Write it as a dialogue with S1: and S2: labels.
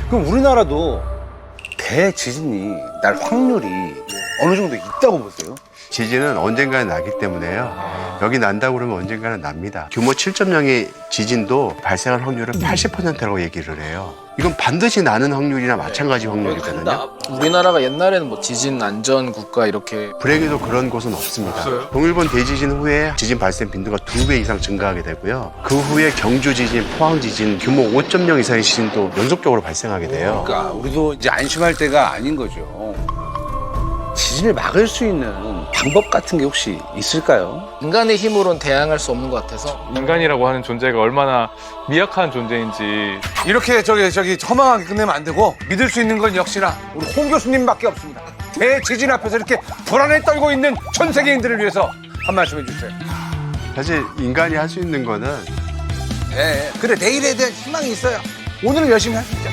S1: 그럼 우리나라도 대지진이 날 확률이 어느 정도 있다고 보세요?
S2: 지진은 언젠가는 나기 때문에요. 여기 난다고 그러면 언젠가는 납니다. 규모 7.0의 지진도 발생할 확률은 80%라고 얘기를 해요. 이건 반드시 나는 확률이나 마찬가지 확률이거든요.
S3: 우리나라가 옛날에는 뭐 지진 안전 국가 이렇게
S2: 불행히도 그런 곳은 없습니다. 동일본 대지진 후에 지진 발생 빈도가 2배 이상 증가하게 되고요. 그 후에 경주 지진, 포항 지진, 규모 5.0 이상의 지진도 연속적으로 발생하게 돼요.
S1: 그러니까 우리도 이제 안심할 때가 아닌 거죠. 지진을 막을 수 있는 방법 같은 게 혹시 있을까요?
S3: 인간의 힘으로는 대항할 수 없는 것 같아서
S4: 인간이라고 하는 존재가 얼마나 미약한 존재인지.
S1: 이렇게 저기 허망하게 끝내면 안 되고 믿을 수 있는 건 역시나 우리 홍 교수님밖에 없습니다. 대지진 앞에서 이렇게 불안에 떨고 있는 전 세계인들을 위해서 한 말씀 해주세요.
S2: 사실 인간이 할 수 있는 거는
S1: 네, 그래 내일에 대한 희망이 있어요. 오늘은 열심히 하시죠.